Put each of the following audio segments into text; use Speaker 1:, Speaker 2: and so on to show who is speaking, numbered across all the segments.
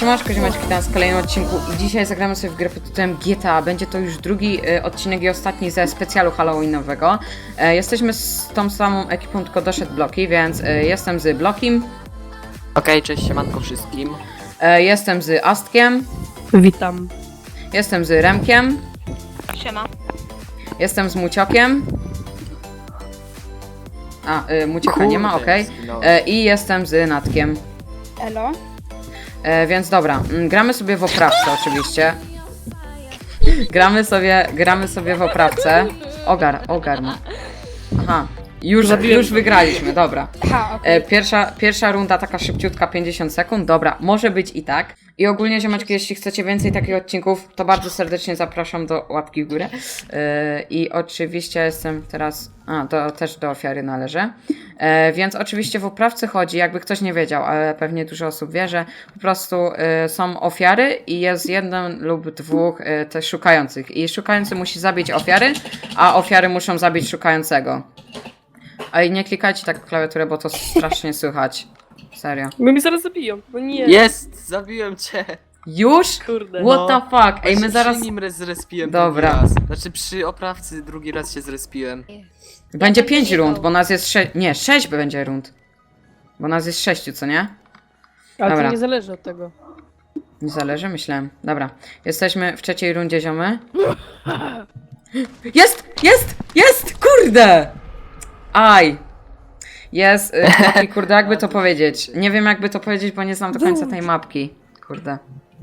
Speaker 1: Siemanczko, ziomeczki, witam w kolejnym odcinku i dzisiaj zagramy sobie w grę pod tytułem GTA. Będzie to już drugi odcinek i ostatni ze specjalu halloweenowego. Jesteśmy z tą samą ekipą, tylko doszedł Bloki, więc jestem z Blokim.
Speaker 2: Okej, cześć, siemanko wszystkim.
Speaker 1: Jestem z Astkiem.
Speaker 3: Witam.
Speaker 1: Jestem z Remkiem.
Speaker 4: Siema.
Speaker 1: Jestem z Muciokiem. Mucioka nie ma, okej.
Speaker 2: zginąłem.
Speaker 1: I jestem z Natkiem.
Speaker 4: Elo.
Speaker 1: Więc dobra, gramy sobie w oprawce oczywiście. Gramy sobie w oprawce. Ogar ma. Aha, już wygraliśmy, dobra.
Speaker 4: Ha, okej.
Speaker 1: Pierwsza runda taka szybciutka, 50 sekund, dobra, może być i tak. I ogólnie, ziomeczki, jeśli chcecie więcej takich odcinków, to bardzo serdecznie zapraszam do łapki w górę. I oczywiście jestem teraz, też do ofiary należę. Więc oczywiście w oprawce chodzi, jakby ktoś nie wiedział, ale pewnie dużo osób wie, że po prostu są ofiary i jest jeden lub dwóch też szukających. I szukający musi zabić ofiary, a ofiary muszą zabić szukającego. Ale nie klikajcie tak w klawiaturę, bo to strasznie słychać. Serio.
Speaker 3: Bo mnie zaraz zabiją, bo nie.
Speaker 2: Jest! Zabiłem cię!
Speaker 1: Już?
Speaker 3: Kurde.
Speaker 1: What
Speaker 2: No.
Speaker 1: the fuck? Ej, my
Speaker 2: Właśnie
Speaker 1: zaraz...
Speaker 2: Przy nim zrespiłem
Speaker 1: Dobra.
Speaker 2: drugi raz. Znaczy przy oprawcy drugi raz się zrespiłem.
Speaker 1: Będzie 5 rund, bo nas jest 6... Nie, 6 będzie rund. Bo nas jest 6, co nie?
Speaker 3: Ale
Speaker 1: Dobra.
Speaker 3: to nie zależy od tego.
Speaker 1: Nie zależy, myślałem. Dobra. Jesteśmy w trzeciej rundzie, ziomy. Jest! Kurde! Aj! Jest, mapki, kurde, jakby to powiedzieć. Nie wiem, jakby to powiedzieć, bo nie znam do końca tej mapki. Kurde.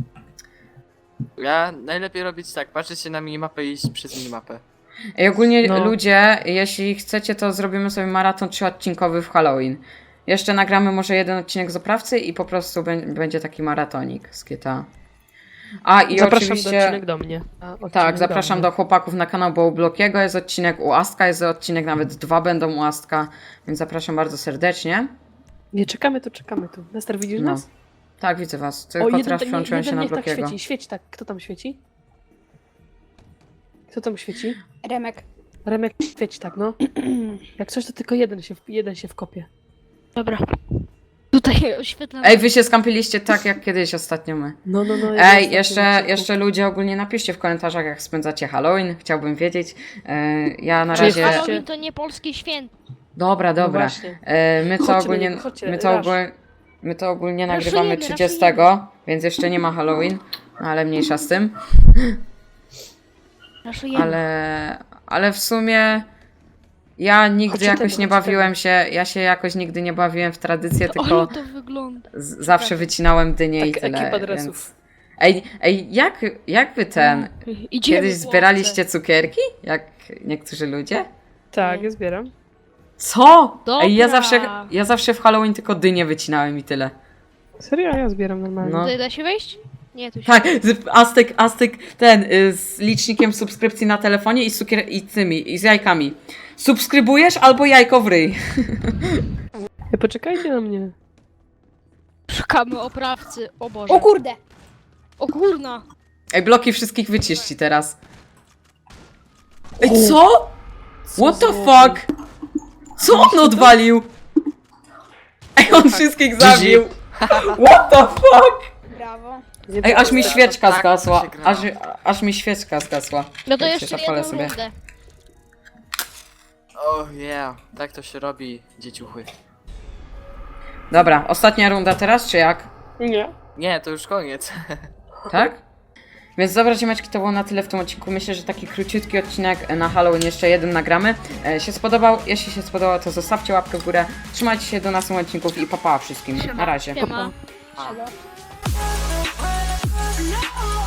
Speaker 2: Ja najlepiej robić tak, patrzeć się na minimapę i iść przez minimapę.
Speaker 1: I ogólnie
Speaker 3: No.
Speaker 1: ludzie, jeśli chcecie, to zrobimy sobie maraton 3-odcinkowy w Halloween. Jeszcze nagramy może jeden odcinek z oprawcy i po prostu będzie taki maratonik z GTA. I
Speaker 3: Zapraszam
Speaker 1: oczywiście...
Speaker 3: do odcinek do mnie.
Speaker 1: Tak, zapraszam do chłopaków na kanał, bo u Blokiego jest odcinek, u Astka jest odcinek, nawet 2 będą u Astka, więc zapraszam bardzo serdecznie.
Speaker 3: Nie, czekamy tu. Nester, widzisz
Speaker 1: No.
Speaker 3: nas?
Speaker 1: Tak, widzę was, tylko teraz przełączyłem się na
Speaker 3: niech tak
Speaker 1: Blokiego.
Speaker 3: świeci, świeć tak. Kto tam świeci? Kto tam świeci?
Speaker 4: Remek.
Speaker 3: Remek, świeć tak, no. Jak coś, to tylko jeden się wkopie.
Speaker 4: Dobra. Tutaj oświetlam.
Speaker 1: Ej, wy się skampiliście tak, jak kiedyś ostatnio my.
Speaker 3: No.
Speaker 1: Ej, jeszcze ludzie ogólnie napiszcie w komentarzach, jak spędzacie Halloween, chciałbym wiedzieć. Ja na
Speaker 3: Czy jest
Speaker 1: razie...
Speaker 3: Halloween?
Speaker 4: To nie polskie święto.
Speaker 1: Dobra.
Speaker 3: No właśnie.
Speaker 1: My to
Speaker 3: Chodźcie
Speaker 1: ogólnie...
Speaker 3: na niego, chodźcie,
Speaker 1: My to ogólnie
Speaker 4: Raszujemy,
Speaker 1: nagrywamy 30, więc jeszcze nie ma Halloween, ale mniejsza z tym.
Speaker 4: Raszujemy.
Speaker 1: Ale w sumie ja nigdy
Speaker 3: Chodźcie
Speaker 1: jakoś
Speaker 3: tego,
Speaker 1: nie
Speaker 3: chodźcie
Speaker 1: bawiłem się, ja się jakoś nigdy nie bawiłem w tradycję,
Speaker 4: Ale
Speaker 1: tylko
Speaker 4: to wygląda.
Speaker 1: zawsze wycinałem dynie i
Speaker 3: Tak,
Speaker 1: tyle.
Speaker 3: ekipa
Speaker 1: Więc...
Speaker 3: dresów.
Speaker 1: Ej, jak wy
Speaker 4: Idziemy
Speaker 1: kiedyś
Speaker 4: w
Speaker 1: zbieraliście cukierki? Jak niektórzy ludzie?
Speaker 3: Tak, ja zbieram.
Speaker 1: Co?
Speaker 4: Dobra.
Speaker 1: Ej, ja zawsze w Halloween tylko dynie wycinałem i tyle.
Speaker 3: Serio, ja zbieram normalnie.
Speaker 1: No.
Speaker 4: Tutaj da się wejść? Nie, tu się.
Speaker 1: Tak, Aztek z licznikiem subskrypcji na telefonie i i z jajkami. Subskrybujesz albo jajko w ryj.
Speaker 3: Poczekajcie na mnie.
Speaker 4: Szukamy oprawcy. O Boże.
Speaker 5: O kurde!
Speaker 4: O kurna.
Speaker 1: Ej, bloki wszystkich wyczyści teraz. Ej, co? What the fuck? Co on odwalił? Ej, on wszystkich zabił. What the fuck?
Speaker 5: Brawo.
Speaker 1: Ej, aż mi świeczka
Speaker 2: Tak,
Speaker 1: zgasła.
Speaker 2: to się gra.
Speaker 1: Aż mi świeczka zgasła.
Speaker 4: No to
Speaker 1: Jak
Speaker 4: jeszcze
Speaker 1: się zapalę
Speaker 4: jedną
Speaker 1: sobie.
Speaker 4: rundę.
Speaker 2: Oh yeah, tak to się robi, dzieciuchy.
Speaker 1: Dobra, ostatnia runda teraz, czy jak?
Speaker 3: Nie.
Speaker 2: Nie, to już koniec.
Speaker 1: Tak? Więc dobra, ziomeczki, to było na tyle w tym odcinku. Myślę, że taki króciutki odcinek na Halloween jeszcze jeden nagramy. Się spodobał? Jeśli się spodobał, to zostawcie łapkę w górę. Trzymajcie się do następnych odcinków i pa wszystkim. Na razie.
Speaker 4: Siema.
Speaker 2: A.
Speaker 5: Elo.